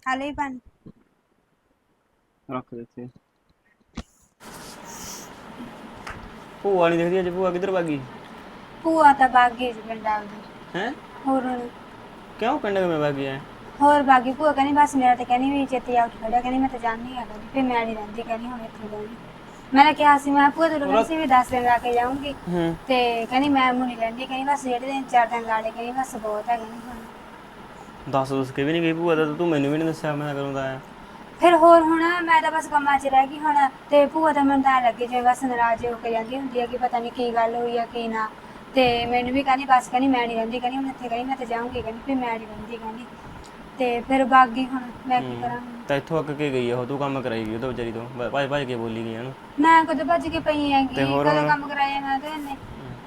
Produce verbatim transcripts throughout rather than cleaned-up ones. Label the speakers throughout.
Speaker 1: ਹਾਲੇ ਹੀ ਬਣ
Speaker 2: ਰੱਖ ਦਿੱਤੇ। ਭੂਆ ਨਹੀਂ ਦਿਖਦੀ ਅੱਜ, ਭੂਆ ਕਿੱਧਰ ਭਾਗੀ?
Speaker 1: ਭੂਆ ਤਾਂ ਬਾਗੀ ਜੀ ਪਿੰਡ ਆਪਦੇ।
Speaker 2: ਹੈ
Speaker 1: ਹੋਰ ਹੁਣ
Speaker 2: ਕਿਉਂ ਪਿੰਡ ਕਿਵੇਂ ਭਾਗੀ ਐ?
Speaker 1: ਹੋਰ ਬਾਗੀ ਭੂਆ ਕਹਿੰਦੀ ਬਸ ਮੇਰਾ ਤੇ ਕਹਿੰਦੀ ਵੀ ਛੇਤੀ ਆ ਉੱਠ ਖੜਿਆ, ਕਹਿੰਦੀ ਮੈਂ ਤਾਂ ਜਾਣੀ ਆ ਕਹਿੰਦੀ, ਫਿਰ ਮੈਂ ਨਹੀਂ ਰਹਿੰਦੀ ਕਹਿੰਦੀ ਹੁਣ ਇੱਥੇ ਰਹਿੰਦੀ। ਮੈਂ ਤਾਂ ਕਿਹਾ ਸੀ ਮੈਂ ਭੂਆ ਤੈਨੂੰ ਕਹਿੰਦੀ ਸੀ ਵੀ ਦਸ ਦਿਨ ਲਾ ਕੇ ਜਾਊਂਗੀ,
Speaker 2: ਹੂੰ
Speaker 1: ਤੇ ਕਹਿੰਦੀ ਮੈਂ ਮੁ ਨਹੀਂ ਰਹਿੰਦੀ, ਕਹਿੰਦੀ ਬਸ ਜਿਹੜੇ ਦਿਨ ਚਾਰ ਦਿਨ ਲਾ ਲਏ ਕਹਿੰਦੀ ਬਸ ਬਹੁਤ ਹੈ ਕਹਿੰਦੀ ਹੁਣ।
Speaker 2: ਦੱਸ ਦੱਸ ਕੇ ਵੀ ਨਹੀਂ ਗਈ ਭੂਆ ਦਾ, ਤੂੰ ਮੈਨੂੰ ਵੀ ਨਹੀਂ ਦੱਸਿਆ ਮੈਂ ਕਦੋਂ ਦਾ ਆਇਆ।
Speaker 1: ਫਿਰ ਹੋਰ ਹੁਣ ਮੈਂ ਤਾਂ ਬਸ ਕੰਮਾਂ 'ਚ ਰਹਿ ਗਈ ਹੁਣ, ਤੇ ਭੂਆ ਤਾਂ ਮੈਨੂੰ ਤਾਂ ਲੱਗੇ ਜਿਵੇਂ ਬਸ ਨਾਰਾਜ਼ ਹੋ ਕੇ ਜਾਂਦੀ ਹੁੰਦੀ ਹੈ ਕਿ ਪਤਾ ਨਹੀਂ ਕੀ ਗੱਲ ਹੋਈ ਆ ਕੀ ਨਾ, ਤੇ ਮੈਨੂੰ ਵੀ ਕਹਿੰਦੀ ਬਸ ਕਹਿੰਦੀ ਮੈਂ ਨਹੀਂ ਰਹਿੰਦੀ ਕਹਿੰਦੀ ਹੁਣ ਇੱਥੇ ਕਹਿੰਦੀ ਮੈਂ ਤਾਂ ਜਾਊਂਗੀ ਕਹਿੰਦੀ, ਫਿਰ ਮੈਂ ਨਹੀਂ ਰਹਿੰਦੀ ਕਹਿੰਦੀ, ਤੇ ਫਿਰ ਵਗ ਗਈ ਹੁਣ ਮੈਂ ਕੀ ਕਰਾਂ।
Speaker 2: ਤਾਂ ਇੱਥੋਂ ਅੱਕ ਕੇ ਗਈ ਉਹ, ਤੂੰ ਕੰਮ ਕਰਾਈ ਉਹ ਤਾਂ ਵਿਚਾਰੀ ਤੋਂ ਭਾਜ ਭਾਜ ਕੇ ਬੋਲੀ ਗਈ ਉਹਨੂੰ।
Speaker 1: ਮੈਂ ਕਦੋਂ ਭੱਜ ਕੇ ਪਈ ਹੈਗੀ, ਕਦੋਂ ਕੰਮ ਕਰਾਇਆ ਮੈਂ ਤਾਂ ਇਹਨੇ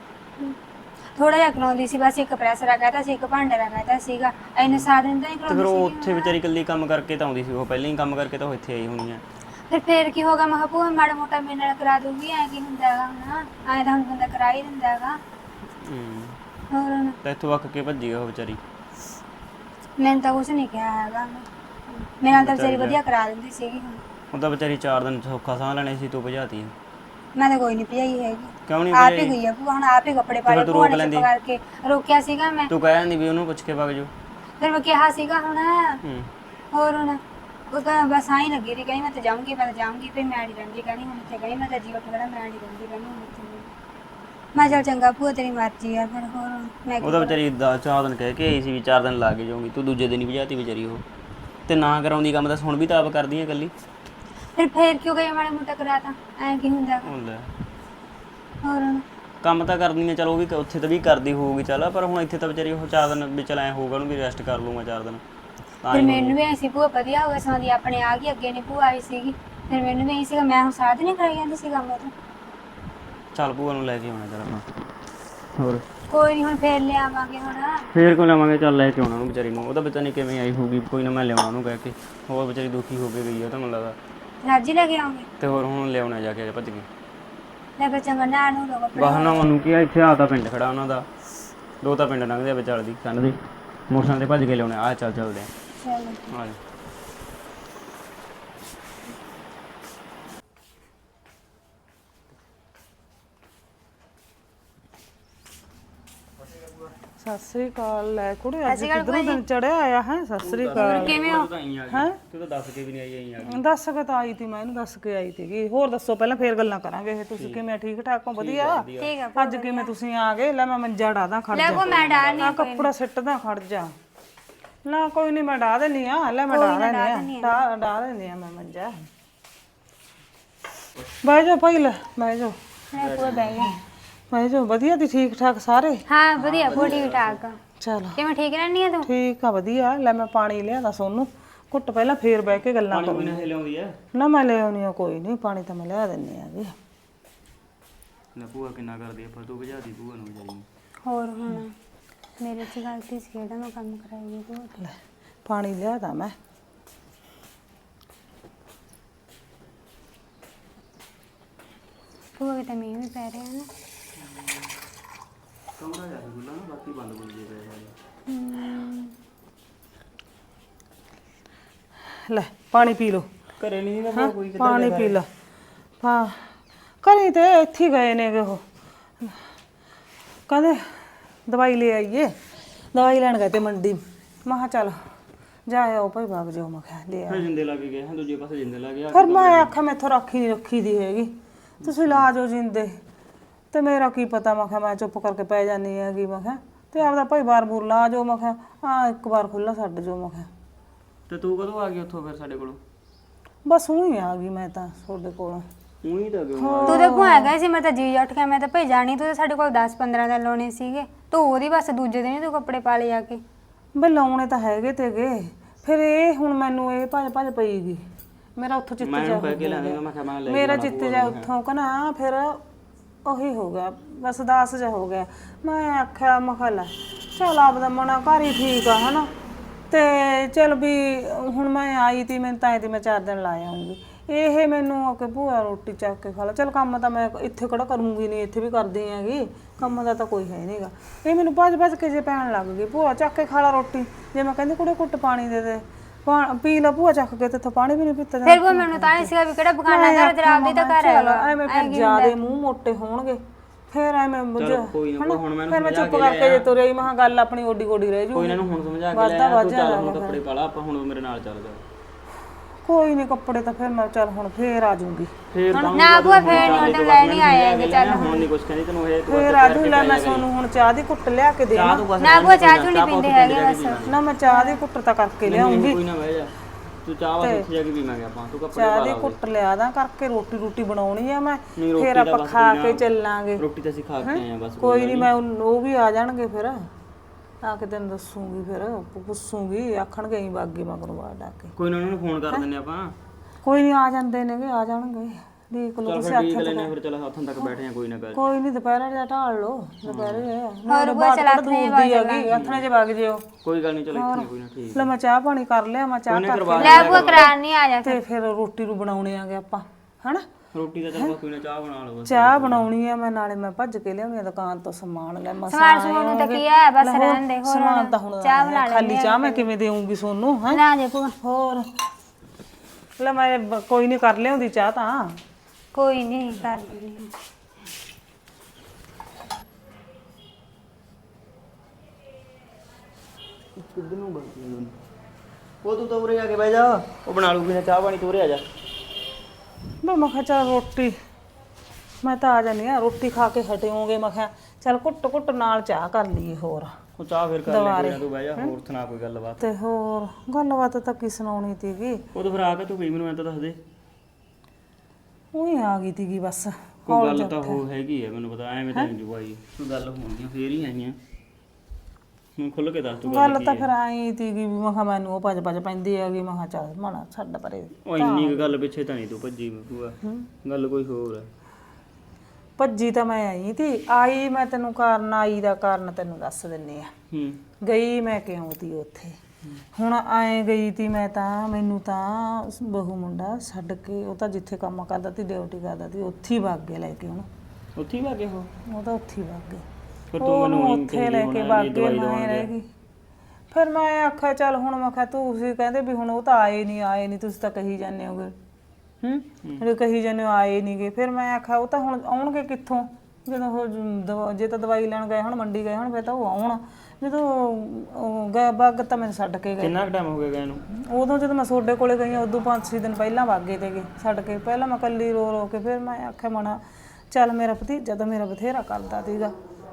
Speaker 1: ਥੋੜਾ ਜਿਹਾ ਕਰਾਉਂਦੀ ਸੀ ਬਸ, ਇੱਕ ਪ੍ਰੈਸ ਦਾ ਕਹਿਤਾ ਸੀ, ਇੱਕ ਭਾਂਡੇ ਦਾ ਕਹਿਤਾ ਸੀਗਾ, ਇਹਨੇ ਸਾਰਾ ਦਿਨ ਤਾਂ ਹੀ
Speaker 2: ਤੇ
Speaker 1: ਕਰਾਉਂਦੀ
Speaker 2: ਫਿਰ ਉਹ
Speaker 1: ਸੀ।
Speaker 2: ਉੱਥੇ ਵਿਚਾਰੀ ਇਕੱਲੀ ਕੰਮ ਕਰਕੇ ਤਾਂ ਆਉਂਦੀ ਸੀ, ਉਹ ਪਹਿਲਾਂ ਹੀ ਕੰਮ ਕਰਕੇ ਤਾਂ ਉਹ ਇੱਥੇ ਆਈ ਹੋਣੀ ਆ।
Speaker 1: ਫਿਰ ਫੇਰ ਕੀ ਹੋਗਾ, ਮੈਂ ਕਿਹਾ ਭੂਆ ਮਾੜਾ ਮੋਟਾ ਮੇਰੇ ਨਾਲ ਕਰਾ ਦੂਗੀ, ਐ ਕੀ ਹੁੰਦਾ ਹੈਗਾ ਹੁਣ, ਐਂ ਤਾਂ ਹੁਣ ਬੰਦਾ ਕਰਾ ਹੀ ਦਿੰਦਾ ਹੈਗਾ।
Speaker 2: ਹੂੰ
Speaker 1: ਹੋਰ ਹੁਣ
Speaker 2: ਤਾਂ ਇੱਥੋਂ ਅੱਕ ਕੇ ਭੱਜੀ ਉਹ ਵਿਚਾਰੀ।
Speaker 1: ਮੈਨੂੰ ਤਾਂ ਕੁਛ ਨਹੀਂ ਕਿਹਾ ਹੈਗਾ, ਮੇਰੇ ਨਾਲ ਤਾਂ ਵਿਚਾਰੀ ਵਧੀਆ ਕਰਾ ਦਿੰਦੀ ਸੀਗੀ। ਹੁਣ
Speaker 2: ਉਹ ਤਾਂ ਵਿਚਾਰੀ ਚਾਰ ਦਿਨ ਸੌਖਾ ਸਾਹ ਲੈਣੇ ਸੀ, ਤੂੰ ਭਜਾਤੀ।
Speaker 1: ਮੈਂ ਤਾਂ ਕੋਈ ਨਹੀਂ ਭਜਾਈ ਹੈਗੀ,
Speaker 2: ਕਿਉਂ ਨਹੀਂ
Speaker 1: ਆਪ ਹੀ
Speaker 2: ਭਜਾਈ?
Speaker 1: ਗਈ ਆ ਭੂਆ, ਹੁਣ ਆਪ ਹੀ ਕੱਪੜੇ ਪਾਲੇ,
Speaker 2: ਤੂੰ
Speaker 1: ਭੂਆ
Speaker 2: ਰੋਕ
Speaker 1: ਨੇ ਚੁੱਪ
Speaker 2: ਲੈਂਦੀ।
Speaker 1: ਕਰਕੇ ਰੋਕਿਆ ਸੀਗਾ ਮੈਂ,
Speaker 2: ਤੂੰ ਕਹਿ ਜਾਂਦੀ ਵੀ ਉਹਨੂੰ ਪੁੱਛ ਕੇ ਵਗ ਜਾਓ।
Speaker 1: ਫਿਰ ਮੈਂ ਕਿਹਾ ਸੀਗਾ ਹੁਣ।
Speaker 2: ਹੂੰ
Speaker 1: ਹੋਰ ਹੁਣ ਉਹ ਤਾਂ ਬਸ ਆਈ ਲੱਗੀ ਰਹੀ, ਕਹਿੰਦੀ ਮੈਂ ਤਾਂ ਜਾਊਂਗੀ ਮੈਂ ਤਾਂ ਜਾਊਂਗੀ, ਫਿਰ ਮੈਂ ਨਹੀਂ ਰਹਿੰਦੀ ਕਹਿੰਦੀ ਹੁਣ ਇੱਥੇ, ਕਹਿੰਦੀ ਮੈਂ ਤਾਂ ਜੀ ਉੱਠ ਖੜਾ ਮੈਂ ਨਹੀਂ ਰਹਿੰਦੀ ਕਹਿੰਦੀ ਹੁਣ ਇੱਥੇ। ਮੈਂ ਚੱਲ ਚੰਗਾ ਭੂਆ ਤੇਰੀ ਮਰਜ਼ੀ ਆ, ਫਿਰ ਹੋਰ ਮੈਂ ਕੀ
Speaker 2: ਉਹ ਤਾਂ
Speaker 1: ਕਰਾਂ।
Speaker 2: ਵਿਚਾਰੀ ਦਾ ਚਾਰ ਦਿਨ ਕਹਿ ਕੇ ਆਈ ਸੀ ਵੀ ਚਾਰ ਦਿਨ ਲਾ ਕੇ ਜਾਊਂਗੀ, ਤੂੰ ਦੂਜੇ ਦਿਨ ਹੀ ਭਜਾਤੀ ਵਿਚਾਰੀ ਉਹ। ਤੇ ਨਾ ਕਰਾਉਂਦੀ ਕੰਮ ਤਾਂ ਹੁਣ ਵੀ ਤਾਂ ਆਪ ਕਰਦੀ ਹੈ ਇਕੱਲੀ।
Speaker 1: ਫਿਰ ਫੇਰ ਕਿਉਂ ਗਏ ਮਾੜਾ ਮੋਟਾ ਕਰਾਤਾ, ਐਂ ਕੀ ਹੁੰਦਾ ਗਾ।
Speaker 2: ਹੁਣ ਲੈ
Speaker 1: ਹੋਰ ਹੁਣ
Speaker 2: ਕੰਮ ਤਾਂ ਕਰਦੀ ਹੈ ਚਲ, ਉਹ ਵੀ ਉੱਥੇ ਤਾਂ ਵੀ ਕਰਦੀ ਹੋਊਗੀ ਚੱਲ, ਪਰ ਹੁਣ ਇੱਥੇ ਤਾਂ ਵਿਚਾਰੀ ਉਹ ਚਾਰ ਦਿਨ ਵੀ ਚੱਲ ਐਂ ਹੋਊਗਾ ਉਹਨੂੰ ਵੀ ਰੈਸਟ ਕਰ ਲੂੰਗਾ ਚਾਰ ਦਿਨ ਤਾਂ
Speaker 1: ਫਿਰ
Speaker 2: ਹੀ
Speaker 1: ਮੈਨੂੰ
Speaker 2: ਹੋਣੀ।
Speaker 1: ਵੀ ਐਂ ਸੀ ਭੂਆ ਵਧੀਆ ਹੋ ਗਿਆ ਸੌਂਦੀ ਆਪਣੇ ਆ ਗਈ, ਅੱਗੇ ਨਹੀਂ ਭੂਆ ਆਈ ਸੀਗੀ, ਫਿਰ ਮੈਨੂੰ ਵੀ ਐਂ ਸੀਗਾ ਮੈਂ ਹੁਣ ਸਾਰਾ ਦਿਨ ਹੀ ਕਰਾਈ ਜਾਂਦੀ ਸੀ ਕੰਮ ਤੋਂ।
Speaker 2: ਚੱਲ ਭੂਆ ਨੂੰ ਲੈ ਕੇ ਆਉਣਾ ਚੱਲ ਆਪਾਂ। ਹੋਰ
Speaker 1: ਕੋਈ ਨਹੀਂ ਹੁਣ ਫੇਰ ਲਿਆਵਾਂਗੇ ਹੁਣ।
Speaker 2: ਫੇਰ ਕਿਉਂ ਲਵਾਂਗੇ, ਚੱਲ ਲੈ ਕੇ ਆਉਣਾ ਉਹਨੂੰ ਵਿਚਾਰੀ ਨੂੰ, ਉਹਦਾ ਪਤਾ ਨਹੀਂ ਕਿਵੇਂ ਆਈ ਹੋਊਗੀ, ਕੋਈ ਨਾ ਮੈਂ ਲਿਆਉਣਾ ਉਹਨੂੰ ਕਹਿ ਕੇ। ਹੋਰ ਵਿਚਾਰੀ ਦੁਖੀ ਹੋ ਕੇ ਗਈ ਆ ਤਾਂ ਮੈਨੂੰ ਲੱਗਦਾ।
Speaker 1: ਰਾਜੀ ਲੈ ਕੇ ਆਉਂਗੇ
Speaker 2: ਤੇ ਹੋਰ ਹੁਣ ਲਿਆਉਣਾ ਜਾ ਕੇ ਭੱਜ ਕੇ।
Speaker 1: ਲੈ ਫਿਰ ਚੰਗਾ ਨਾ ਨੂੰ ਲੋ ਕੱਪੜੇ।
Speaker 2: ਬਾਹਰ ਨਾ ਮੈਨੂੰ ਕੀ ਆ, ਇੱਥੇ ਆ ਤਾਂ ਪਿੰਡ ਖੜਾ ਉਹਨਾਂ ਦਾ, ਦੋ ਤਾਂ ਪਿੰਡ ਲੰਘਦੇ ਆ ਵਿਚਾਲ ਦੀ ਕੰਨ ਦੀ, ਮੋਟਰਸਾਈਕਲ ਤੇ ਭੱਜ ਕੇ ਲਿਆਉਣੇ ਆ। ਚੱਲ ਚੱਲਦੇ ਆ
Speaker 1: ਚਲੋ
Speaker 2: ਆ ਜਾ।
Speaker 3: ਸਤਿ ਸ੍ਰੀ ਅਕਾਲ। ਲੈ ਕੁੜੇ ਅੱਜ ਕਿੱਧਰੋਂ ਦਿਨ ਚੜਿਆ ਆਇਆ ਹੈ? ਸਤਿ ਸ੍ਰੀ ਅਕਾਲ।
Speaker 1: ਕਿਵੇਂ ਹੋ?
Speaker 2: ਹੈ ਤੂੰ ਤਾਂ ਦੱਸ ਕੇ ਵੀ ਨਹੀਂ ਆਈ, ਆਈ ਆ ਗਈ।
Speaker 3: ਦੱਸ ਕੇ ਤਾਂ ਆਈ ਤੀ ਮੈਂ, ਇਹਨੂੰ ਦੱਸ ਕੇ ਆਈ ਸੀਗੀ। ਹੋਰ ਦੱਸੋ ਪਹਿਲਾਂ, ਫੇਰ ਗੱਲਾਂ ਕਰਾਂਗੇ। ਇਹ ਤੁਸੀਂ ਕਿਵੇਂ, ਠੀਕ ਠਾਕ ਹੋ? ਵਧੀਆ।
Speaker 1: ਠੀਕ ਆ
Speaker 3: ਅੱਜ ਕਿਵੇਂ ਤੁਸੀਂ ਆ ਗਏ? ਲੈ ਮੈਂ ਮੰਜਾ ਡਾਦਾ, ਖੜ
Speaker 1: ਲੈ
Speaker 3: ਜਾ।
Speaker 1: ਕੋ ਮੈਂ ਡਾਲ
Speaker 3: ਆ ਕੱਪੜਾ ਸਿੱਟਦਾ, ਖੜ ਜਾ। ਨਾ ਕੋਈ ਨਹੀਂ, ਮੈਂ ਡਾ ਦੇਣੀ ਆ। ਲੈ ਮੈਂ ਡਾ ਦੇਣੀ ਆ, ਡਾ ਡਾ ਦੇਣੀ ਆ ਮੈਂ ਮੰਜਾ। ਬਹਿ ਜਾ ਭਾਈ, ਲੈ ਬਹਿ ਜਾ
Speaker 1: ਲੈ ਭੂਆ ਬਹਿ ਜਾ।
Speaker 3: ਬਹਿ ਜਾ। ਵਧੀਆ ਤੀ, ਠੀਕ ਠਾਕ ਸਾਰੇ?
Speaker 1: ਹਾਂ ਵਧੀਆ ਭੂਆ, ਠੀਕ ਠਾਕ ਆ।
Speaker 3: ਚਲ
Speaker 1: ਕਿਵੇਂ ਠੀਕ ਰਹਿਣੀ ਆ ਤੂੰ?
Speaker 3: ਠੀਕ ਆ, ਵਧੀਆ। ਲੈ ਮੈਂ ਪਾਣੀ ਲਿਆਦਾ ਸੋਨੂੰ ਘੁੱਟ, ਪਹਿਲਾਂ ਫੇਰ ਬਹਿ ਕੇ ਗੱਲਾਂ ਕਰੋ।
Speaker 2: ਪਾਣੀ ਲਿਆਉਂਦੀ ਆ
Speaker 3: ਨਾ ਮੈਂ ਲੈ ਆਉਣੀ ਆ, ਕੋਈ ਨਹੀਂ, ਪਾਣੀ ਤਾਂ ਮੈਂ ਲਿਆ ਦਿੰਨੀ ਆ ਜੀ।
Speaker 2: ਨਾ ਭੂਆ ਕਿੰਨਾ ਕਰਦੀ ਆ, ਪਰ ਤੂੰ ਭਜਾਦੀ ਭੂਆ ਨੂੰ ਵਿਚਾਰੀ ਨੂੰ।
Speaker 1: ਹੋਰ ਹੁਣ ਮੇਰੇ 'ਚ ਗਲਤੀ ਸੀ, ਜਿਹੜਾ ਮੈਂ ਕੰਮ ਕਰਾਈ ਭੂਆ ਤੋਂ।
Speaker 3: ਲੈ ਪਾਣੀ ਲਿਆਦਾ ਮੈਂ।
Speaker 1: ਭੂਆ ਤਾਂ ਮੀਂਹ ਵੀ ਪੈ ਰਿਹਾ ਨਾ।
Speaker 2: ਕਮਰਾ ਜਾ ਕੇ ਗੁੱਲਾ ਨਾ, ਬਾਕੀ ਬੰਦ ਬੁੰਦ ਜੇ ਪਏ ਸਾਰੇ।
Speaker 3: ਲੈ ਪਾਣੀ ਪੀ ਲੋ।
Speaker 2: ਘਰੇ ਨਹੀਂ ਨਾ ਭੂਆ ਕੋਈ,
Speaker 3: ਪਾਣੀ ਪੀ ਲਾ। ਹਾਂ ਘਰੇ ਤੇ ਇੱਥੇ ਹੀ ਗਏ ਨੇ ਉਹ, ਕਹਿੰਦੇ ਦਵਾਈ ਲੈ ਆਈਏ, ਦਵਾਈ ਲੈਣ ਗਏ ਤੇ ਮੰਡੀ। ਮੈਂ ਕਿਹਾ ਚੱਲ ਜਾ ਆਓ ਭਾਈ, ਬਾਗ ਜਾਓ। ਮੈਂ ਕਿਹਾ ਲੈ ਆ।
Speaker 2: ਫਿਰ ਜਿੰਦੇ ਲੱਗ ਗਏ ਹਾਂ, ਦੂਜੇ ਪਾਸੇ ਜਿੰਦੇ ਲੱਗ ਗਿਆ।
Speaker 3: ਫਿਰ ਮੈਂ ਆਖਿਆ ਮੈਥੋਂ ਰਾਖੀ ਨਹੀਂ ਰੱਖੀ ਦੀ ਹੈਗੀ, ਤੁਸੀਂ ਲਾ ਜਾਓ ਜਿੰਦੇ। ਤੇ ਮੇਰਾ ਕੀ ਪਤਾ, ਮੈਂ ਕਿਹਾ ਮੈਂ ਚੁੱਪ ਕਰਕੇ ਪੈ ਜਾਂਦੀ ਹੈਗੀ। ਮੈਂ ਕਿਹਾ ਤੇ ਆਪਦਾ ਭਾਈ ਬਾਰ ਬੂਰ ਲਾ ਜਾਓ। ਮੈਂ ਕਿਹਾ ਹਾਂ ਇੱਕ ਵਾਰ ਖੁੱਲ੍ਹਾ ਛੱਡ ਜਾਓ। ਮੈਂ ਕਿਹਾ
Speaker 2: ਤੇ ਤੂੰ ਕਦੋਂ ਆ ਗਈ ਉੱਥੋਂ ਫਿਰ ਸਾਡੇ ਕੋਲੋਂ?
Speaker 3: ਬਸ ਊਂ ਹੀ ਆ ਗਈ ਮੈਂ ਤਾਂ ਤੁਹਾਡੇ ਕੋਲੋਂ।
Speaker 2: ਉਹੀ ਤਾਂ ਗਿਆ।
Speaker 1: ਤੂੰ ਤਾਂ ਭੂਆ ਗਈ ਸੀ, ਮੈਂ ਤਾਂ ਜੀ ਉੱਠ ਕੇ ਮੈਂ ਤਾਂ ਭੇਜਾ ਨਹੀਂ। ਤੂੰ ਤਾਂ ਸਾਡੇ ਕੋਲ ਦਸ ਪੰਦਰਾਂ ਦਿਨ ਲਾਉਣੇ ਸੀਗੇ, ਤੂੰ ਉਹਦੀ ਬਸ ਦੂਜੇ ਦਿਨ ਹੀ ਤੂੰ ਕੱਪੜੇ ਪਾ ਲਏ ਆ ਕੇ।
Speaker 3: ਬਈ ਲਾਉਣੇ ਤਾਂ ਹੈਗੇ ਤੇਗੇ, ਫਿਰ ਇਹ ਹੁਣ ਮੈਨੂੰ ਇਹ ਭੱਜ ਭੱਜ ਪਈ ਗਈ। ਮੇਰਾ ਉੱਥੋਂ ਚਿੱਤ ਜਾ
Speaker 2: ਮੈਂ ਕਹਿ ਕੇ ਲੈਂਦਾ, ਮੈਂ ਕਿਹਾ ਮੈਂ ਲੈ
Speaker 3: ਮੇਰਾ ਚਿੱਤ ਜਾ ਉੱਥੋਂ ਕਹਣਾ, ਫਿਰ ਉਹੀ ਹੋ ਗਿਆ ਬਸ, ਦਾਸ ਜਾ ਹੋ ਗਿਆ। ਮੈਂ ਆਖਿਆ ਮੈਂ ਕਿਹਾ ਲੈ ਚੱਲ ਆਪਦਾ ਮਨਾ ਘਰ ਹੀ ਠੀਕ ਆ ਹਨਾ। ਤੇ ਚੱਲ ਵੀ ਹੁਣ ਮੈਂ ਆਈ ਤੀ, ਮੈਨੂੰ ਤਾਂ ਆਈ ਤੀ ਮੈਂ ਚਾਰ ਦਿਨ ਲਾ ਆਉਂਗੀ। ਇਹ ਮੈਨੂੰ ਆ ਕੇ ਭੂਆ ਰੋਟੀ ਚੱਕ ਕੇ ਖਾ ਲਾ। ਚੱਲ ਕੰਮ ਤਾਂ ਮੈਂ ਇੱਥੇ ਕਿਹੜਾ ਕਰੂੰਗੀ ਨਹੀਂ, ਇੱਥੇ ਵੀ ਕਰਦੀ ਹੈਗੀ, ਕੰਮ ਦਾ ਤਾਂ ਕੋਈ ਹੈ ਨਹੀਂਗਾ। ਇਹ ਮੈਨੂੰ ਭੱਜ ਭੱਜ ਕੇ ਜੇ ਪੈਣ ਲੱਗ ਗਈ, ਭੂਆ ਚੱਕ ਕੇ ਖਾ ਲਾ ਰੋਟੀ। ਜੇ ਮੈਂ ਕਹਿੰਦੀ ਕੁੜੇ ਘੁੱਟ ਪਾਣੀ ਦੇ ਦੇ, ਪਾ- ਪੀ ਲਾ ਭੂਆ ਚੱਕ ਕੇ ਤੇ ਪਾਣੀ ਵੀ ਨਹੀਂ ਪੀਤਾ
Speaker 1: ਫਿਰ ਉਹ ਮੈਨੂੰ ਤਾਂ ਹੀ ਸੀਗਾ ਵੀ ਕਿਹੜਾ ਬਖਾਨਾ ਘਰ ਤੇਰਾ ਆਪਦੀ ਤਾਂ ਘਰ ਹੈਗਾ
Speaker 3: ਐਵੇਂ ਫਿਰ ਜਿਆਦੇ ਮੂੰਹ ਮੋਟੇ ਹੋਣਗੇ ਫਿਰ ਐਵੇਂ ਮੁੰਜ
Speaker 2: ਕੋਈ ਨਾ ਹੁਣ ਮੈਨੂੰ
Speaker 3: ਫਿਰ ਮੈਂ ਚੁੱਪ ਕਰਕੇ ਜੇ ਤੁਰੇ ਮਹਾ ਗੱਲ ਆਪਣੀ ਓਡੀ ਗੋਡੀ ਰਹਿ ਜੂ
Speaker 2: ਕੋਈ ਇਹਨਾਂ ਨੂੰ ਹੁਣ ਸਮਝਾ ਕੇ ਲੈ ਆ ਤੂੰ ਚੱਲ ਹੁਣ ਕੱਪੜੇ ਪਾ ਲਾ ਆਪਾਂ ਹੁਣ ਮੇਰੇ ਨਾਲ ਚੱਲ ਜਾ
Speaker 3: ਕੋਈ ਨਹੀਂ ਕੱਪੜੇ ਤਾਂ ਫਿਰ ਮੈਂ ਚੱਲ ਹੁਣ ਫੇਰ ਆ ਜਾਊਂਗੀ
Speaker 2: ਫੇਰ ਤਾਂ
Speaker 1: ਨਾ ਭੂਆ ਫੇਰ ਹੁਣ ਤੈਨੂੰ ਲੈ ਨਹੀਂ ਆਏ ਹੈਗੇ ਚੱਲ
Speaker 2: ਹੁਣ ਨਹੀਂ ਕੁਛ ਕਹਿੰਦੀ ਤੈਨੂੰ ਇਹ
Speaker 3: ਫੇਰ ਆ ਜੂ ਲੈ ਮੈਂ ਤੁਹਾਨੂੰ ਹੁਣ ਚਾਹ ਦੀ ਘੁੱਟ ਲਿਆ ਕੇ ਦੇਵਾਂ
Speaker 1: ਨਾ ਭੂਆ ਚਾਹ ਚੂਹ ਨਹੀਂ ਪੀਂਦੇ ਹੈਗੇ ਬਸ
Speaker 3: ਨਾ ਮੈਂ ਚਾਹ ਦੀ ਘੁੱਟ ਤਾਂ ਕਰਕੇ ਲਿਆਉਂਗੀ
Speaker 2: ਕੋਈ ਨਾ ਬਹਿ ਜਾ ਤੂੰ ਚਾਹ ਵਾਸਤੇ ਉੱਥੇ ਜਾ ਕੇ ਪੀਵਾਂਗੇ ਆਪਾਂ ਤੂੰ ਕੱਪੜੇ
Speaker 3: ਚਾਹ ਦੀ ਘੁੱਟ ਲਿਆ ਦਾਂ ਕਰਕੇ ਰੋਟੀ ਰੋਟੀ ਬਣਾਉਣੀ ਆ ਮੈਂ ਫੇਰ ਆਪਾਂ ਖਾ ਕੇ ਚੱਲਾਂਗੇ
Speaker 2: ਰੋਟੀ ਤਾਂ ਅਸੀਂ ਖਾ ਕੇ ਆਏ ਆ ਬਸ
Speaker 3: ਕੋਈ ਨਹੀਂ ਮੈਂ ਉਹ ਉਹ ਵੀ ਆ ਜਾਣਗੇ ਫਿਰ ਆ ਕੇ ਤੈਨੂੰ ਦੱਸੂਗੀ ਫਿਰ ਪੁੱਛੂਗੀ ਆਖਣਗੇ ਹੀ ਬਾਗੀ ਮਗਰੋਂ ਬਾਹਰ ਡਾਕੇ
Speaker 2: ਕੋਈ ਨਾ ਉਹਨਾਂ ਨੂੰ ਫੋਨ ਕਰ ਦਿੰਨੇ ਆਪਾਂ
Speaker 3: ਕੋਈ ਨਹੀਂ ਆ ਜਾਂਦੇ ਨੇਗੇ ਆ ਜਾਣਗੇ ਦੇਖ ਲਓ ਤੁਸੀਂ
Speaker 2: ਠੀਕ ਲੈਣੇ ਫਿਰ ਚਲ ਹੱਥਾਂ ਤੱਕ ਬੈਠੇ ਆ ਕੋਈ ਨਾ ਕਰ
Speaker 3: ਕੋਈ ਨਹੀਂ ਦੁਪਹਿਰਾਂ ਦਾ ਢਾਲ ਲਓ ਦੁਪਹਿਰੇ
Speaker 1: ਹੋਰ ਭੂਆ ਚਲ ਆਥਣੇ
Speaker 3: ਦੂਰ ਦੀ ਹੈਗੀ ਆਥਣੇ ਜੇ ਵਗ ਜਿਓ
Speaker 2: ਕੋਈ ਗੱਲ ਨਹੀਂ ਚਲ ਇੱਥੇ ਕੋਈ ਨਾ ਠੀਕ
Speaker 3: ਲੈ ਮੈਂ ਚਾਹ ਪਾਣੀ ਕਰ ਲਿਆ ਮੈਂ ਚਾਹ ਕਰਕੇ
Speaker 1: ਲੈ ਭੂਆ ਕਰਾਰ ਨਹੀਂ ਆ ਜਾ
Speaker 3: ਤੇ ਫਿਰ ਰੋਟੀ ਨੂੰ ਬਣਾਉਣੇ ਆਗੇ ਆਪਾਂ ਹਨਾ
Speaker 2: ਰੋਟੀ ਦਾ ਚੱਲ ਕੋਈ ਨਾ ਚਾਹ ਬਣਾ ਲਓ ਬਸ
Speaker 3: ਚਾਹ ਬਣਾਉਣੀ ਆ ਮੈਂ ਨਾਲੇ ਮੈਂ ਭੱਜ ਕੇ ਲਿਆਉਣੀ ਆ ਦੁਕਾਨ ਤੋਂ ਸਮਾਨ ਲੈ ਮਸਾਂ
Speaker 1: ਸਮਾਨ ਸਮੂਨ ਤਾਂ ਕੀ ਹੈ ਬਸ ਰਹਿਣ ਦੇ ਹੋਰ
Speaker 3: ਸਮਾਨ ਤਾਂ ਹੁਣ
Speaker 1: ਚਾਹ ਬਣਾ ਲੈ
Speaker 3: ਖਾਲੀ ਚਾਹ ਮੈਂ ਕਿਵੇਂ ਦੇਵਾਂਗੀ ਸੋਨੂੰ ਹੈ
Speaker 1: ਨਾ ਜੇ ਭੂਆ
Speaker 3: ਹੋਰ ਲੈ ਮੈਂ ਬ- ਕੋਈ ਨਹੀਂ ਕਰ ਲਿਆਉਂਦੀ ਚਾਹ ਤਾਂ
Speaker 1: ਕੋਈ ਨਹੀਂ ਕਰ ਲੈਂਦੀ
Speaker 2: ਕਿੱਧਰ ਨੂੰ ਬੈਠੀ ਉਹ ਤੂੰ ਤਾਂ ਉਰੇ ਆ ਕੇ ਬਹਿ ਜਾ ਉਹ ਬਣਾ ਲੂਗੀ ਨਾ ਚਾਹ ਪਾਣੀ ਤੂੰ ਉਰੇ ਆ ਜਾ
Speaker 3: ਮੈਂ ਮੈਂ ਕਿਹਾ ਚੱਲ ਰੋਟੀ ਮੈਂ ਤਾਂ ਆ ਜਾਨੀ ਆ ਰੋਟੀ ਖਾ ਕੇ ਹਟਿਓਗੇ ਮੈਂ ਕਿਹਾ ਚੱਲ ਘੁੱਟ ਘੁੱਟ ਨਾਲ ਚਾਹ ਕਰ ਲਈਏ ਹੋਰ
Speaker 2: ਉਹ ਚਾਹ ਫਿਰ ਕਰ ਲੈ ਕੋਈ ਨਾ ਤੂੰ ਬਹਿ ਜਾ ਹੋਰ ਸੁਣਾ ਕੋਈ ਗੱਲਬਾਤ
Speaker 3: ਤੇ ਹੋਰ ਗੱਲਬਾਤ ਤਾਂ ਕੀ ਸੁਣਾਉਣੀ ਤੀਗੀ
Speaker 2: ਉਹ ਤਾਂ ਫਿਰ ਆ ਕੇ ਤੂੰ ਵੀ ਮੈਨੂੰ ਐਂ ਤਾਂ ਦੱਸ ਦੇ
Speaker 3: ਉਹੀ ਆ ਗਈ ਤੀਗੀ ਬਸ
Speaker 2: ਕੋਈ ਗੱਲ ਤਾਂ ਹੋ ਹੈਗੀ ਆ ਮੈਨੂੰ ਪਤਾ ਐਵੇਂ ਤਾਂ ਨਹੀਂ ਜੁਆਈ ਕੋਈ ਗੱਲ ਹੋਣਗੀਆਂ ਫੇਰ ਹੀ ਆਈਆਂ ਹੁਣ ਖੁੱਲ ਕੇ ਦੱਸ ਤੂੰ ਗੱਲ
Speaker 3: ਗੱਲ ਤਾਂ ਫਿਰ ਆਈ ਤੀਗੀ ਵੀ ਮੈਂ ਕਿਹਾ ਮੈਨੂੰ ਉਹ ਭੱਜ ਭੱਜ ਪੈਂਦੀ ਹੈਗੀ ਮੈਂ ਕਿਹਾ ਚੱਲ ਮਣਾ ਛੱਡ ਪਰੇ
Speaker 2: ਉਹ ਇੰਨੀ ਕੁ ਗੱਲ ਪਿੱਛੇ ਤਾਂ ਨਹੀਂ ਤੂੰ ਭੱਜੀ ਬੂਆ ਗੱਲ ਕੋਈ ਹੋਰ ਹੈ
Speaker 3: ਭੱਜੀ ਤਾਂ ਮੈਂ ਆਈ ਤੀ ਆਈ ਮੈਂ ਤੈਨੂੰ ਕਾਰਨ ਆਈ ਦਾ ਕਾਰਨ ਤੈਨੂੰ ਦੱਸ ਦਿੰਨੀ ਆ
Speaker 2: ਹੂੰ
Speaker 3: ਗਈ ਮੈਂ ਕਿਉਂ ਤੀ ਉੱਥੇ ਹੁਣ ਆਏ ਗਈ ਤੀ ਮੈਂ ਤਾਂ ਮੈਨੂੰ ਤਾਂ ਬਹੂ ਮੁੰਡਾ ਛੱਡ ਕੇ ਉਹ ਤਾਂ ਜਿੱਥੇ ਕੰਮ ਕਰਦਾ ਤੀ ਡਿਊਟੀ ਕਰਦਾ ਤੀ ਉੱਥੇ ਹੀ ਵਗ ਗਏ ਲੈ ਕੇ ਹੁਣ
Speaker 2: ਉੱਥੇ ਹੀ ਵਾਗੇ ਹੋ
Speaker 3: ਉਹ ਤਾਂ ਉੱਥੇ ਹੀ ਵਗ ਗਏ
Speaker 2: ਫਿਰ ਤੂੰ ਮੈਨੂੰ
Speaker 3: ਉਹਨੂੰ
Speaker 2: ਇੰਨੀ
Speaker 3: ਉੱਥੇ ਲੈ ਕੇ ਵਗ ਗਏ ਮੈਂ ਰਹਿ ਗਈ ਫਿਰ ਮੈਂ ਆਖਿਆ ਚੱਲ ਹੁਣ ਮੈਂ ਕਿਹਾ ਤੁਸੀਂ ਕਹਿੰਦੇ ਵੀ ਹੁਣ ਉਹ ਤਾਂ ਆਏ ਨਹੀਂ ਆਏ ਨਹੀਂ ਤੁਸੀਂ ਤਾਂ ਕਹੀ ਜਾਂਦੇ ਹੋਗੇ ਹੂੰ ਜਿਹੜੇ ਕਹੀ ਜਾਂਦੇ ਹੋ ਆਏ ਨਹੀਂਗੇ ਫਿਰ ਮੈਂ ਆਖਿਆ ਉਹ ਤਾਂ ਹੁਣ ਆਉਣਗੇ ਕਿੱਥੋਂ ਜਦੋਂ ਉਹ ਦਵਾ- ਜੇ ਤਾਂ ਦਵਾਈ ਲੈਣ ਗਏ ਹੁਣ ਮੰਡੀ ਗਏ ਹੁਣ ਫਿਰ ਤਾਂ ਉਹ ਆਉਣ ਜਦੋਂ ਉਹ ਗਏ ਬੱਗ ਤਾਂ ਮੈਨੂੰ ਛੱਡ ਕੇ ਗਏ
Speaker 2: ਕਿੰਨਾ ਟਾਈਮ ਹੋ ਗਿਆ ਗਏ ਨੂੰ
Speaker 3: ਉਦੋਂ ਜਦੋਂ ਮੈਂ ਤੁਹਾਡੇ ਕੋਲੇ ਗਈ ਹਾਂ ਉਦੋਂ ਪੰਜ ਛੇ ਦਿਨ ਪਹਿਲਾਂ ਵਾਗੇ ਤੇਗੇ ਛੱਡ ਕੇ ਪਹਿਲਾਂ ਮੈਂ ਕੱਲੀ ਰੋ ਰੋ ਕੇ ਫਿਰ ਮੈਂ ਆਖਿਆ ਮਣਾ ਚੱਲ ਮੇਰਾ ਭਤੀਜਾ ਤਾਂ ਮੇਰਾ ਬਥੇਰਾ ਕਰਦਾ ਸੀਗਾ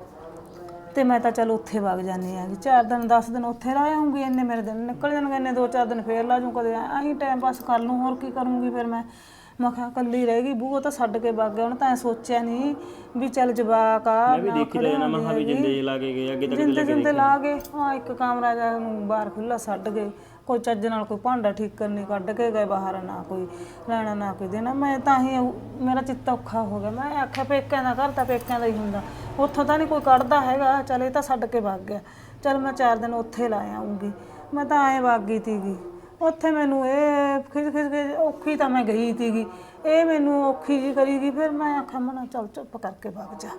Speaker 3: ਤੇ ਮੈਂ ਤਾਂ ਚੱਲ ਉੱਥੇ ਵਗ ਜਾਂਦੀ ਆ ਚਾਰ ਦਿਨ ਦਸ ਦਿਨ ਉੱਥੇ ਰਹਿ ਆਉਂਗੀ ਇੰਨੇ ਮੇਰੇ ਦਿਨ ਨਿਕਲ ਜਾਣਗੇ ਇੰਨੇ ਦੋ ਚਾਰ ਦਿਨ ਫੇਰ ਲਾ ਜੂ ਕਦੇ ਐਂ ਟਾਈਮ ਪਾਸ ਕਰ ਲੂੰ ਹੋਰ ਕੀ ਕਰੂੰਗੀ ਫਿਰ ਮੈਂ ਮੈਂ ਕਿਹਾ ਕੱਲੀ ਰਹਿ ਗਈ ਬੂਹ ਤਾਂ ਛੱਡ ਕੇ ਵਗ ਗਿਆ ਹੁਣ ਤਾਂ ਐਂ ਸੋਚਿਆ ਨਹੀਂ ਵੀ ਚੱਲ ਜਵਾਕ ਆ
Speaker 2: ਮੈਂ ਵੀ ਦੇਖੀ ਤਾਂ ਜਾਣਾ ਮਹਾ ਵੀ ਜਿੰਦੇ ਲਾ ਕੇ ਗਏ ਅੱਗੇ ਤੱਕ
Speaker 3: ਜਿੰਦੇ ਜਿੰਦੇ ਲਾ ਗਏ ਹਾਂ ਇੱਕ ਕਮਰਾ ਜਾ ਨੂੰ ਬਾਹਰ ਖੁੱਲਾ ਛੱਡ ਗਏ ਕੋਈ ਚੱਜ ਨਾਲ ਕੋਈ ਭਾਂਡਾ ਠੀਕ ਕਰਨੀ ਕੱਢ ਕੇ ਗਏ ਬਾਹਰ ਨਾ ਕੋਈ ਲੈਣਾ ਨਾ ਕੋਈ ਦੇਣਾ ਮੈਂ ਤਾਂ ਹੀ ਮੇਰਾ ਚਿੱਤ ਔਖਾ ਹੋ ਗਿਆ ਮੈਂ ਆਖਿਆ ਪੇਕਿਆਂ ਦਾ ਘਰ ਤਾਂ ਪੇਕਿਆਂ ਦਾ ਹੀ ਹੁੰਦਾ ਉੱਥੋਂ ਤਾਂ ਨਹੀਂ ਕੋਈ ਕੱਢਦਾ ਹੈਗਾ ਚੱਲ ਇਹ ਤਾਂ ਛੱਡ ਕੇ ਵਗ ਗਿਆ ਚੱਲ ਮੈਂ ਚਾਰ ਦਿਨ ਉੱਥੇ ਲਾ ਆਉਂਗੀ ਮੈਂ ਤਾਂ ਐਂ ਵਗ ਗਈ ਤੀਗੀ ਉੱਥੇ ਮੈਨੂੰ ਇਹ ਖਿਜ ਖਿਜ ਕੇ ਔਖੀ ਤਾਂ ਮੈਂ ਗਈ ਤੀਗੀ ਇਹ ਮੈਨੂੰ ਔਖੀ ਜੀ ਕਰੀ ਗਈ ਫਿਰ ਮੈਂ ਆਖਿਆ ਮਨਾ ਚੱਲ ਚੁੱਪ ਕਰਕੇ ਵਗ ਜਾ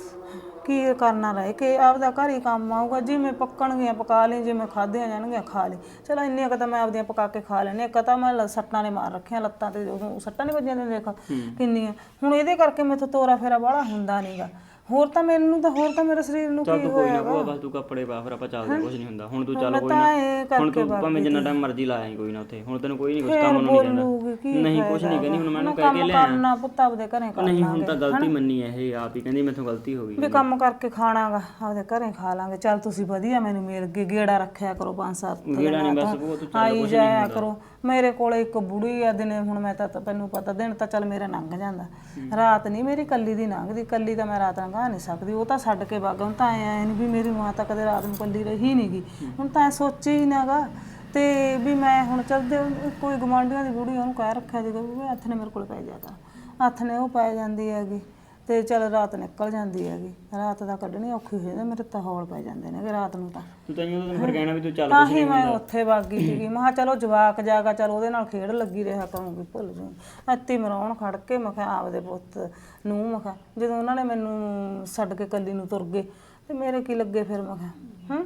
Speaker 3: ਕੀ ਕਰਨਾ ਰਹਿ ਕੇ ਆਪਦਾ ਘਰ ਹੀ ਕੰਮ ਆਊਗਾ ਜਿਵੇਂ ਪੱਕਣਗੀਆਂ ਪਕਾ ਲਈ ਜਿਵੇਂ ਖਾਧੀਆਂ ਜਾਣਗੀਆਂ ਖਾ ਲਈ ਚਲੋ ਇੰਨੀਆਂ ਕੁ ਤਾਂ ਮੈਂ ਆਪਦੀਆਂ ਪਕਾ ਕੇ ਖਾ ਲੈਣੇ ਇੱਕ ਤਾਂ ਮੈਂ ਸੱਟਾਂ ਨੇ ਮਾਰ ਰੱਖੀਆਂ ਲੱਤਾਂ ਤੇ ਉਦੋਂ ਸੱਟਾਂ ਨਹੀਂ ਵੱਜੀਆਂ ਨੇ ਦੇਖ ਕਿੰਨੀਆਂ ਹੁਣ ਇਹਦੇ ਕਰਕੇ ਮੈਥੋਂ ਤੋਰਾ ਫੇਰਾ ਬਾਹਲਾ ਹੁੰਦਾ ਨਹੀਂਗਾ ਹੋਰ ਤਾਂ ਮੈਨੂੰ ਤਾਂ ਹੋਰ ਤਾਂ ਮੇਰੇ ਸਰੀਰ ਨੂੰ
Speaker 2: ਚੱਲ
Speaker 3: ਕੀ
Speaker 2: ਤੂੰ ਕੋਈ
Speaker 3: ਹੋਇਆ
Speaker 2: ਨਾ ਭੂਆ ਬਸ ਤੂੰ ਕੱਪੜੇ ਪਾ ਫਿਰ ਆਪਾਂ ਚੱਲਦੇ ਕੁਝ ਨਹੀਂ ਹੁੰਦਾ ਹੁਣ ਤੂੰ ਚੱਲ ਕੋਈ ਨਾ
Speaker 3: ਤਾਂ ਇਹ
Speaker 2: ਹੁਣ
Speaker 3: ਕਰਕੇ
Speaker 2: ਤੂੰ ਭਾਵੇਂ ਜਿੰਨਾ ਟਾਈਮ ਮਰਜ਼ੀ ਲਾ ਆਈ ਕੋਈ ਨਾ ਉੱਥੇ ਹੁਣ ਤੈਨੂੰ ਕੋਈ ਨਹੀਂ ਕੁਝ
Speaker 3: ਫੇਰ
Speaker 2: ਕੰਮ ਨੂੰ ਨਹੀਂ
Speaker 3: ਬੋਲੂਗੀ ਕੀ
Speaker 2: ਕਹਿੰਦਾ ਨਹੀਂ ਕੁਝ ਨਹੀਂ ਕਹਿੰਦੀ ਹੁਣ ਮੈਨੂੰ ਕਹਿ
Speaker 3: ਕੰਮ
Speaker 2: ਕੇ ਲਿਆ
Speaker 3: ਕਰਨਾ ਪੁੱਤ ਆਪਦੇ ਘਰੇ ਕਰਨਾ
Speaker 2: ਨਹੀਂ ਹੁਣ ਤਾਂ ਗਲਤੀ ਮੰਨੀ ਐ ਇਹ ਆਪ ਹੀ ਕਹਿੰਦੀ ਮੈਥੋਂ ਗਲਤੀ ਹੋ ਗਈ
Speaker 3: ਵੀ ਕੰਮ ਕਰਕੇ ਖਾਣਾਗਾ ਆਪਦੇ ਘਰੇ ਖਾ ਲਾਂਗੇ ਚੱਲ ਤੁਸੀਂ ਵਧੀਆ ਮੈਨੂੰ ਮਿਲ ਗਏ ਗੇੜਾ ਰੱਖਿਆ ਕਰੋ ਪੰਜ ਸੱਤ
Speaker 2: ਗੇੜਾ ਨਹੀਂ ਬਸ ਭੂਆ ਤੂੰ ਚੱਲ
Speaker 3: ਆਈ ਜਾਇਆ ਕਰੋ ਮੇਰੇ ਕੋਲੇ ਇੱਕ ਬੁੜੀ ਆ ਦਿਨੇ ਹੁਣ ਮੈਂ ਤਾਂ ਤੈਨੂੰ ਪਤਾ ਦਿਨ ਤਾਂ ਚੱਲ ਮੇਰਾ ਲੰਘ ਜਾਂਦਾ ਰਾਤ ਨਹੀਂ ਮੇਰੀ ਕੱਲੀ ਦੀ ਲੰਘਦੀ ਕੱਲੀ ਤਾਂ ਮੈਂ ਰਾਤ ਲੰਘਾ ਨਹੀਂ ਸਕਦੀ ਉਹ ਤਾਂ ਛੱਡ ਕੇ ਵਗ ਹੁਣ ਤਾਂ ਐ ਨਹੀਂ ਵੀ ਮੇਰੀ ਮਾਂ ਤਾਂ ਕਦੇ ਰਾਤ ਨੂੰ ਕੱਲੀ ਰਹੀ ਨਹੀਂ ਗੀ ਹੁਣ ਤਾਂ ਸੋਚੀ ਹੀ ਨਾਗਾ ਤੇ ਵੀ ਮੈਂ ਹੁਣ ਚੱਲਦੇ ਕੋਈ ਗਵਾਂਢੀਆਂ ਦੀ ਬੁੜੀ ਉਹਨੂੰ ਕਹਿ ਰੱਖਿਆ ਸੀਗਾ ਵੀ ਹੱਥ ਨੇ ਮੇਰੇ ਕੋਲ ਪੈ ਜਾ ਕਰ ਹੱਥ ਨੇ ਉਹ ਪੈ ਜਾਂਦੀ ਹੈਗੀ ਤੇ ਚੱਲ ਰਾਤ ਨਿਕਲ ਜਾਂਦੀ ਹੈਗੀ ਰਾਤ ਦਾ ਕੱਢਣੀ ਔਖੀ ਹੋ ਜਾਂਦੀ ਮੇਰੇ ਤਾਂ ਹੌਲ ਪੈ ਜਾਂਦੇ ਨੇ ਕਿ ਰਾਤ ਨੂੰ ਤਾਂ
Speaker 2: ਤੂੰ ਤੈਨੂੰ ਉਹਨੂੰ ਫਿਰ ਕਹਿਣਾ ਵੀ ਤੂੰ ਚੱਲ
Speaker 3: ਤਾਂ ਹੀ ਮੈਂ ਉੱਥੇ ਵਗ ਗਈ ਸੀਗੀ ਮੈਂ ਕਿਹਾ ਚਲੋ ਜਵਾਕ ਜਾਗਾ ਚਲ ਉਹਦੇ ਨਾਲ ਖੇਡ ਲੱਗੀ ਰਿਹਾ ਕਰੂੰਗੀ ਭੁੱਲ ਜੂ ਅੱਤੀ ਮਰਾਉਣ ਖੜ ਕੇ ਮੈਂ ਕਿਹਾ ਆਪਦੇ ਪੁੱਤ ਨੂੰ ਮੈਂ ਕਿਹਾ ਜਦੋਂ ਉਹਨਾਂ ਨੇ ਮੈਨੂੰ ਛੱਡ ਕੇ ਕੱਲੀ ਨੂੰ ਤੁਰ ਗਏ ਤੇ ਮੇਰੇ ਕੀ ਲੱਗੇ ਫਿਰ ਮੈਂ ਕਿਹਾ ਹੂੰ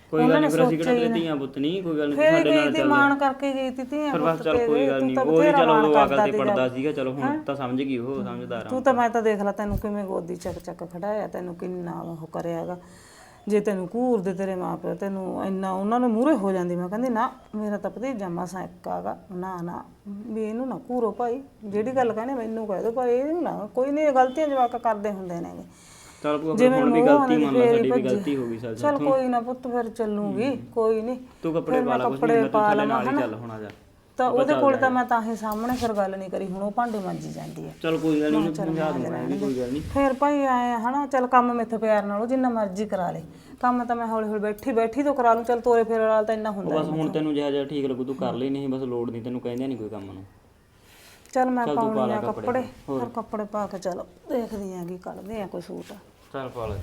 Speaker 2: ਕੋਈ ਗੱਲ ਨਹੀਂ, ਫਿਰ ਅਸੀਂ ਕਿਹੜਾ ਤੇਰੇ ਧੀਆਂ ਪੁੱਤ ਨਹੀਂ, ਕੋਈ ਗੱਲ ਨਹੀਂ,
Speaker 3: ਫੇਰ
Speaker 2: ਸਾਡੇ
Speaker 3: ਗਈ
Speaker 2: ਨਾਲ
Speaker 3: ਤੀ
Speaker 2: ਚੱਲ।
Speaker 3: ਮਾਣ ਕਰਕੇ ਗਈ ਤੀ ਧੀਆਂ
Speaker 2: ਫਿਰ
Speaker 3: ਪੁੱਤ
Speaker 2: ਬਸ ਚੱਲ
Speaker 3: ਤੇ
Speaker 2: ਕੋਈ
Speaker 3: ਗਈ,
Speaker 2: ਗੱਲ
Speaker 3: ਤੂੰ
Speaker 2: ਨਹੀਂ,
Speaker 3: ਤਾਂ
Speaker 2: ਉਹ ਵੀ
Speaker 3: ਬਥੇਰਾ
Speaker 2: ਚਲੋ
Speaker 3: ਮਾਣ
Speaker 2: ਉਹ
Speaker 3: ਕਰਦਾ
Speaker 2: ਅਕਲ ਤੇ
Speaker 3: ਤੀ
Speaker 2: ਪੜਦਾ
Speaker 3: ਜਦ।
Speaker 2: ਸੀਗਾ, ਚਲੋ ਹੁਣ ਤਾਂ ਸਮਝ ਗਈ, ਉਹ ਸਮਝਦਾਰ ਆ।
Speaker 3: ਤੂੰ ਤਾਂ ਮੈਂ ਤਾਂ ਦੇਖ ਲਾ ਤੈਨੂੰ ਕਿਵੇਂ ਗੋਦੀ ਚੱਕ ਚੱਕ ਖੜਾਇਆ, ਤੈਨੂੰ ਕਿੰਨਾ ਉਹ ਕਰਿਆਗਾ। ਜੇ ਤੈਨੂੰ ਘੂਰਦੇ ਤੇਰੇ ਮਾਪਿਓ ਤੈਨੂੰ ਇੰਨਾ ਉਹਨਾਂ ਨੂੰ ਮੂਹਰੇ ਹੋ ਜਾਂਦੀ, ਮੈਂ ਕਹਿੰਦੀ ਨਾ ਮੇਰਾ ਤਾਂ ਭਤੀਜਾ ਮਸਾਂ ਇੱਕ ਆਗਾ, ਨਾ ਨਾ ਵੀ ਇਹਨੂੰ ਨਾ ਘੂਰੋ ਭਾਈ, ਜਿਹੜੀ ਗੱਲ ਕਹਿੰਦੇ ਮੈਨੂੰ ਕਹਿ ਦੋ ਭਾਈ, ਇਹਨੂੰ ਨਾ ਕੋਈ ਨਹੀਂ, ਗਲਤੀਆਂ ਜਵਾਕ ਕਰਦੇ ਹੁੰਦੇ ਨੇਗੇ।
Speaker 2: ਚੱਲ ਭੂਆ ਫਿਰ ਹੁਣ ਵੀ ਗਲਤੀ ਮੰਨ ਲਾ, ਸਾਡੀ ਵੀ ਗਲਤੀ ਹੋ ਗਈ ਸਾਡੀ।
Speaker 3: ਚੱਲ ਕੋਈ ਨਾ ਪੁੱਤ, ਫਿਰ ਚੱਲੂਗੀ, ਕੋਈ ਨਹੀਂ।
Speaker 2: ਤੂੰ ਕੱਪੜੇ ਪਾ ਲਾ, ਕੁਛ ਨਹੀਂ, ਤੂੰ ਥੱਲੇ ਨਾਲ ਹੀ ਚੱਲ ਹੁਣ ਆ ਜਾ।
Speaker 3: ਤਾਂ ਉਹਦੇ ਕੋਲ ਤਾਂ ਮੈਂ ਤਾਂ ਹੀ ਸਾਹਮਣੇ ਫਿਰ ਗੱਲ ਨਹੀਂ ਕਰੀ, ਹੁਣ ਉਹ ਭਾਂਡੇ ਮਾਂਜੀ ਜਾਂਦੀ ਹੈ।
Speaker 2: ਚੱਲ ਕੋਈ ਗੱਲ ਨਹੀਂ, ਉਹਨੂੰ ਸਮਝਾ ਦੂੰਗਾ ਮੈਂ ਵੀ, ਕੋਈ ਗੱਲ ਨਹੀਂ।
Speaker 3: ਫਿਰ ਭਾਈ ਆਏ ਹਨਾ, ਚੱਲ ਕੰਮ ਮੈਥੋਂ ਪਿਆਰ ਨਾਲ ਉਹ ਜਿੰਨਾ ਮਰਜ਼ੀ ਕਰਾ ਲੇ, ਕੰਮ ਤਾਂ ਮੈਂ ਹੌਲੀ ਹੌਲੀ ਬੈਠੀ ਬੈਠੀ ਤੋਂ ਕਰਾ ਲੂੰ। ਚੱਲ ਤੋਰੇ ਫੇਰੇ ਨਾਲ ਤਾਂ ਇੰਨਾ ਹੁੰਦਾ
Speaker 2: ਬਸ ਹੁਣ ਤੈਨੂੰ ਜਿਹੜਾ ਜਿਹੜਾ ਠੀਕ ਲੱਗੂ ਤੂੰ ਕਰ ਲਈ, ਨਹੀਂ ਬਸ ਲੋੜ ਨਹੀਂ, ਤੈਨੂੰ ਕਹਿੰਦੇ ਨਹੀਂ ਕੋਈ ਕੰਮ ਨੂੰ।
Speaker 3: ਚੱਲ ਮੈਂ ਪਾਉਣੀ ਆ ਕੱਪੜੇ, ਫਿਰ ਕੱਪੜੇ ਪਾ ਕੇ ਚਲੋ ਦੇਖਦੀ ਆਂ ਕੀ ਕੱਢਦੇ ਆ ਕੋਈ ਸੂਟ।
Speaker 2: ਚੱਲ ਪਾ ਲੈ।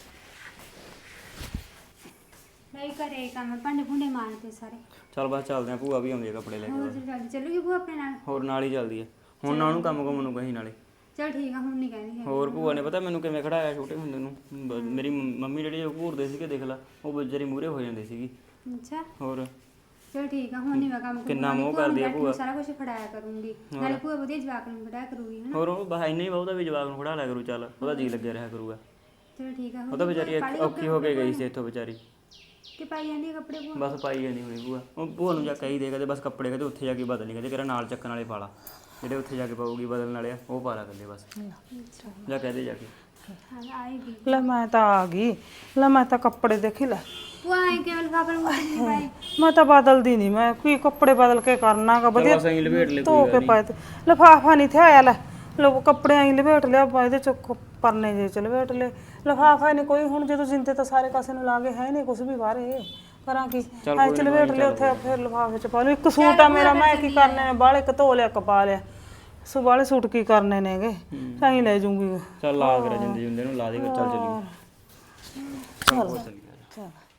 Speaker 1: ਨਹੀਂ ਘਰੇ ਕੰਮ ਭਾਂਡੇ ਭੁੰਡੇ ਮਾਰਦੇ ਸਾਰੇ।
Speaker 2: ਚੱਲ ਬਸ ਚੱਲਦੇ ਆ, ਭੂਆ ਵੀ ਆਉਂਦੀ ਆ ਕੱਪੜੇ ਲੈ ਕੇ।
Speaker 1: ਹੋਰ ਜਲਦੀ ਚੱਲੂਗੀ ਭੂਆ ਆਪਣੇ ਨਾਲ?
Speaker 2: ਹੋਰ ਨਾਲ ਹੀ ਚੱਲਦੀ ਆ ਹੁਣ, ਨਾ ਉਹਨੂੰ ਕੰਮ ਕੰਮ ਨੂੰ ਕਹੀ ਨਾਲੇ।
Speaker 1: ਚਲ ਠੀਕ ਆ, ਹੁਣ ਨਹੀਂ ਕਹਿੰਦੀ ਹੈ।
Speaker 2: ਹੋਰ ਭੂਆ ਨੇ ਪਤਾ ਮੈਨੂੰ ਕਿਵੇਂ ਖੜਾਇਆ ਛੋਟੇ ਹੁੰਦੇ ਨੂੰ, ਬ- ਮੇਰੀ ਮੰਮ- ਮੰਮੀ ਜਿਹੜੀ ਉਹ ਘੂਰਦੇ ਸੀਗੇ, ਦੇਖ ਲਾ ਉਹ ਵਿਚਾਰੀ ਮੂਹਰੇ ਹੋ ਜਾਂਦੀ ਸੀਗੀ।
Speaker 1: ਅੱਛਾ
Speaker 2: ਹੋਰ
Speaker 1: ਚਲ ਠੀਕ ਆ, ਹੁਣ ਨਹੀਂ ਮੈਂ ਕੰਮ
Speaker 2: ਕਿੰਨਾ ਮੋਹ ਕਰਦੀ ਆ ਭੂਆ।
Speaker 1: ਸਾਰਾ ਕੁਝ ਫੜਾਇਆ ਕਰੂੰਗੀ, ਨਾਲੇ ਭੂਆ ਵਧੀਆ ਜਵਾਕ ਨੂੰ ਫੜਾਇਆ ਕਰੂਗੀ ਹਨਾ।
Speaker 2: ਹੋਰ ਉਹ ਬਸ ਇੰਨਾ ਹੀ ਬਹੁਤਾ ਵੀ ਜਵਾਬ ਨੂੰ ਖੜਾ ਲਿਆ ਕਰੂ, ਚੱਲ ਉਹਦਾ ਜੀ ਲੱਗਿਆ ਰਿਹਾ ਕਰੂਗਾ।
Speaker 1: ਚਲ ਠੀਕ ਆ,
Speaker 2: ਉਹ ਤਾਂ ਵਿਚਾਰੀ ਇੱਕ ਔਖੀ ਹੋ ਕੇ ਗਈ ਸੀ ਇੱਥੋਂ ਵਿਚਾਰੀ,
Speaker 1: ਕਿ ਪਾਈ ਜਾਂਦੀ ਆ ਕੱਪੜੇ ਭੂਆ?
Speaker 2: ਬਸ ਪਾਈ ਜਾਂਦੀ ਹੋਣੀ ਭੂਆ। ਉਹ ਭੂਆ ਨੂੰ ਜਾ ਕਹੀ ਦੇ ਕਦੇ ਬਸ ਕੱਪੜੇ ਕਦੇ ਉੱਥੇ ਜਾ ਕੇ ਬਦਲ ਲਈ, ਕਦੇ ਕਿਹੜਾ ਨਾਲ ਚੱਕਣ ਵਾਲੇ ਪਾ ਲਾ, ਜਿਹੜੇ ਉੱਥੇ ਜਾ ਕੇ ਪਾਊਗੀ ਬਦਲਣ ਵਾਲੇ ਆ ਉਹ ਪਾ ਲਾ ਕੱਲੇ ਬਸ, ਜਾ ਕਹਦੇ ਜਾ ਕੇ।
Speaker 1: ਹਾਂ ਆਏਗੀ
Speaker 3: ਲੈ ਮੈਂ ਤਾਂ ਆ ਗਈ, ਲੈ ਮੈਂ ਤਾਂ ਕੱਪੜੇ ਦੇਖੀ ਲੈ,
Speaker 1: ਭੂਆ ਆਏ ਕੇਵਲ ਕਾਬਲ ਮੁੰਡੇ ਨਹੀਂ ਪਾਏ।
Speaker 3: ਮੈਂ ਤਾਂ ਬਦਲਦੀ ਨਹੀਂ, ਮੈਂ ਕੀ ਕੱਪੜੇ ਬਦਲ ਕੇ ਕਰਨਾਗਾ, ਵਧੀਆ
Speaker 2: ਬਸ ਐਂ ਲਪੇਟ ਲੈ,
Speaker 3: ਧੋ ਕੇ ਪਾਏ ਤੇ ਲਿਫਾਫਾ ਨਹੀਂ ਥੇ ਆਇਆ, ਲੈ ਲੋ ਕੱਪੜੇ ਐਂ ਲਪੇਟ ਲਿਆ, ਇਹਦੇ ਚ ਕ- ਪਰਨੇ ਜੇ ਚ ਲਪੇਟ ਲਏ, ਲਿਫਾਫਾ ਨਹੀਂ ਕੋਈ। ਹੁਣ ਜਦੋਂ ਜਿੰਦੇ ਤਾਂ ਸਾਰੇ ਕਾਸੇ ਨੂੰ ਲਾ ਕੇ ਹੈ ਨਹੀਂ ਕੁਝ ਵੀ ਬਾਹਰੇ, ਕਰਾਂ ਕੀ ਐ ਚ ਲਪੇਟ ਲਿਆ ਉੱਥੇ, ਫਿਰ ਲਿਫਾਫੇ ਚ ਪਾ ਲਓ। ਇੱਕ ਸੂਟ ਆ ਮੇਰਾ, ਮੈਂ ਕੀ ਕਰਨੇ ਨੇ ਬਾਹਲੇ, ਇੱਕ ਧੋ ਲਿਆ ਇੱਕ ਪਾ ਲਿਆ, ਸੋ ਬਾਹਲੇ ਸੂਟ ਕੀ ਕਰਨੇ ਨੇਗੇ, ਐਂ ਲੈ ਜੂੰਗੀ।
Speaker 2: ਚੱਲ ਲਾ ਕੇ ਜਿੰਦੇ ਜਿੰਦੇ ਨੂੰ ਲਾ ਦੇ, ਚੱਲ ਚੱਲੀਏ।
Speaker 3: ਚੱਲ ਚੱਲ